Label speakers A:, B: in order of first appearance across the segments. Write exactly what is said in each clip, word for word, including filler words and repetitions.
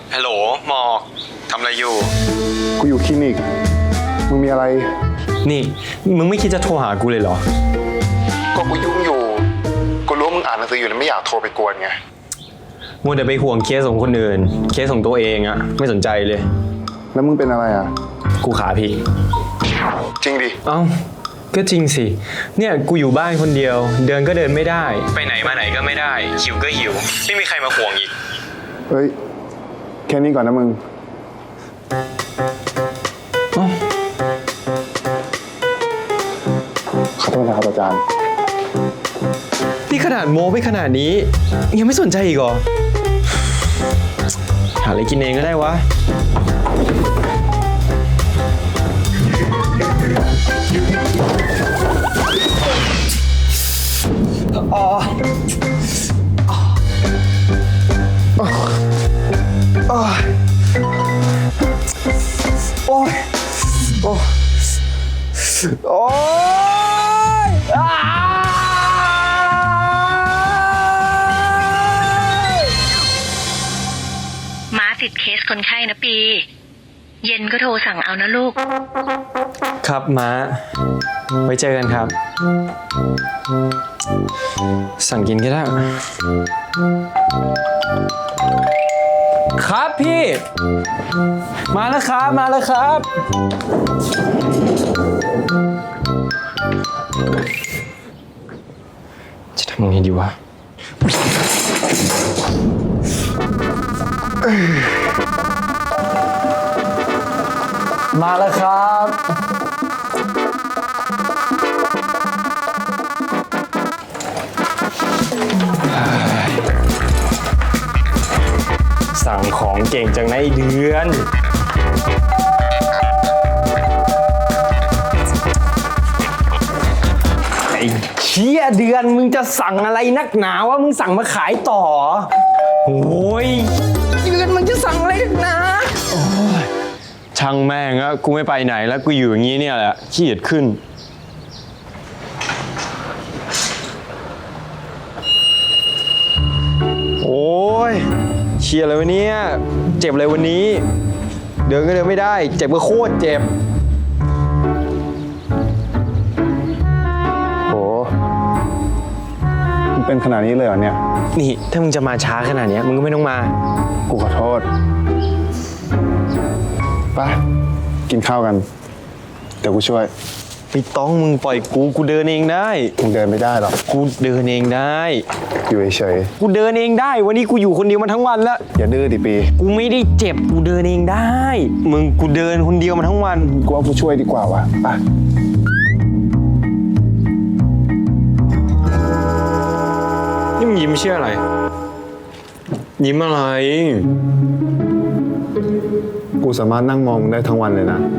A: ฮัลโหลหมอกทำอะไรอยู่
B: กูอยู่คลินิกมึงมีอะไร
A: นี่มึงไม่คิดจะโทรหากูเลยเหรอ
B: ก็กูยุ่งอยู่กูรู้ว่ามึงอ่านหนังสืออยู่แล้วไม่อยากโทรไปกวนไง
A: มัวแต่ไปห่วงเคสของคนอื่นเคสของตัวเองอะไม่สนใจเลย
B: แล้วมึงเป็นอะไรอ่ะ
A: กูขาพลิก
B: จริงดิ
A: เอ้าก็จริงสิเนี่ยกูอยู่บ้านคนเดียวเดินก็เดินไม่ได้ไปไหนมาไหนก็ไม่ได้หิวก็หิวไม่มีใครมาห่วงอีก
B: เฮ้ยแค่นี้ก่อนนะมึงขอโทษนะครับอาจารย์
A: นี่ขนาดโม้ไปขนาดนี้ยังไม่สนใจอีกเหรอหาอะไรกินเองก็ได้วะอ๋อโอ้ยโอ้ยโอ้ยโอ้ย
C: ม้าติดเคสคนไข้นะปีเย็นก็โทรสั่งเอานะลูก
A: ครับม้าไว้เจอกันครับสั่งกินก็ได้ครับพี่มาแล้วครับมาแล้วครับจะทำยังไงดีวะมาแล้วครับสั่งของเก่งจังนะไอ้เดือนไอ้เชี่ยเดือนมึงจะสั่งอะไรนักหนาวะมึงสั่งมาขายต่อโอ้ยเดือนมึงจะสั่งอะไรนักหนาโอ้ยช่างแม่งอะกูไม่ไปไหนแล้วกูอยู่อย่างนี้เนี่ยแหละขี้เกียจขึ้นโอ้ยเชียร์อะไรวะเนี่ยเจ็บอะไรวันนี้เดินก็เดินไม่ได้เจ็บก็โคตรเจ็บ
B: โหมันเป็นขนาดนี้เลยเหรอเนี่ย
A: นี่ถ้ามึงจะมาช้าขนาดนี้มึงก็ไม่ต้องมา
B: กูขอโทษไปกินข้าวกันเดี๋ยวกูช่วย
A: ไม่ต้องมึงปล่อยกูกูเดินเองได้
B: มึงเดินไม่ได้หรอก
A: กูเดินเองได้
B: อยู่เฉย
A: กูเดินเองได้วันนี้กูอยู่คนเดียวมาทั้งวันแล้ว
B: อย่าดื้อดิปี
A: กูไม่ได้เจ็บกูเดินเองได้มึงกูเดินคนเดียวมาทั้งวัน
B: กูว่ากูช่วยดีกว่าวะไป
A: นี่มึงยิ้มเชื่ออะไรยิ้มอะไร
B: กูสามารถนั่งมองได้ทั้งวันเลยนะ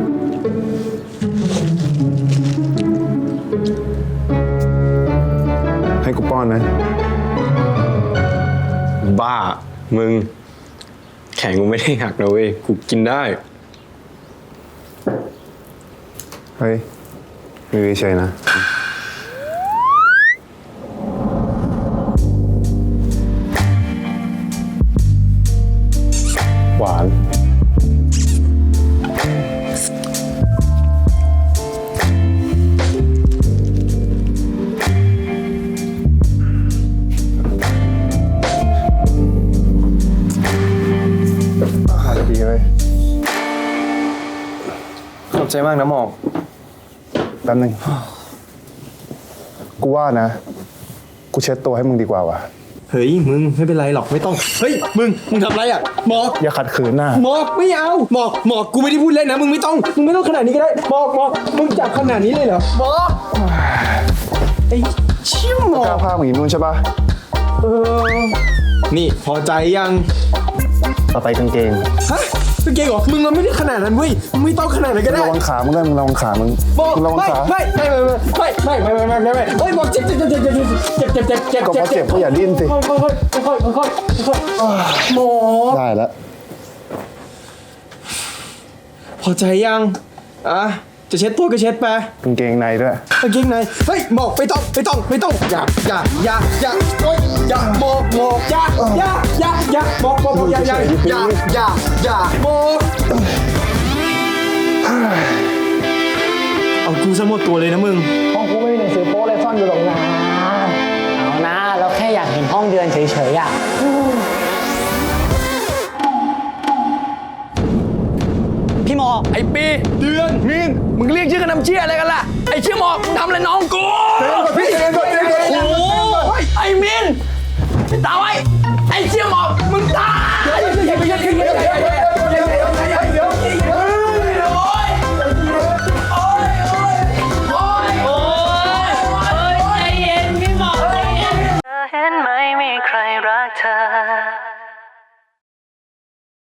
B: ให้กูป้อนไหม
A: บ้ามึงแขนกูไม่ได้หักนะเว้ยกูกินได้
B: เฮ้ยอยู่เฉยๆนะหวานดีเลย
A: ขอบใจมากนะหมอก
B: แป๊บนึงกูว่านะกูเช็ดตัวให้มึงดีกว่าวะ
A: เฮ้ยมึงไม่เป็นไรหรอกไม่ต้องเฮ้ยมึงมึงทำอะไรอ่ะหมอก
B: อย่าขัดขืนนะ
A: หมอกไม่เอาหมอกหมอกกูไม่ได้พูดเล่นนะมึงไม่ต้องมึงไม่ต้องขนาดนี้ก็ได้หมอกหมอกมึงจับขนาดนี้เลยเหรอหมอกไอ้เชี่ยวหมอก
B: กล้าพามึงอีกนู่นใช่ปะ
A: เออนี่พอใจยัง
B: ต่อไปกางเกง
A: ฮะกางเกงเหรอมึงมันไม่ได้ขนาดนั้นเว้ยมึงไม่ต้องขนาดนั้นก็ได้
B: ระวังขามึงได้มึงระวังขามึง
A: มึงระวังขาไม่ไม่ไม่ไม่ไม่ไม่ไม่ไม่ไม่ไม่เฮ้ยบอกเจ็บเจ็บเจ็บเจ็บเจ็บเจ็บเจ็บเจ็บเจ็บ
B: ก็เพราะเจ็บก็อย่าดิ้นสิ
A: ค่อยค่อยค่อยค่อยค่อยค่อยหมอ
B: ได้แล้ว
A: พอใจยังอ่ะจะเช็ดตัวก็เช็ดไป
B: กางเกงในด้วย
A: กางเกงในเฮ้ยหมอกไม่ต้องไม่ต้องไม่ต้องอย่าอย่าอย่าอย่าโอ๊ยอย่าหมอกหมอกอย่าอย่าอย่าอย่าหมอกหมอกหมอกอย่าอย่าอย่าอย่าอย่าหมอกเอากูซะหมดตัวเลยนะมึง
D: ห้องกูไม่มีหนังสือโป๊เลยซ่อนอยู่หรอกนะเอานะเราแค่อยากเห็นห้องเดือนเฉยๆอ่ะ พี่หมอ
A: ไอ้ปีเดือนมินมึงเรียกชื่อกันน้ำเชี่ยอะไรกันล่ะไอ้เชี่ยหมอกมึงทำอะไรน้องกูพี่เดือนก่อนเดือนก่อน
D: โอ้
A: ไอ้มินตาไว้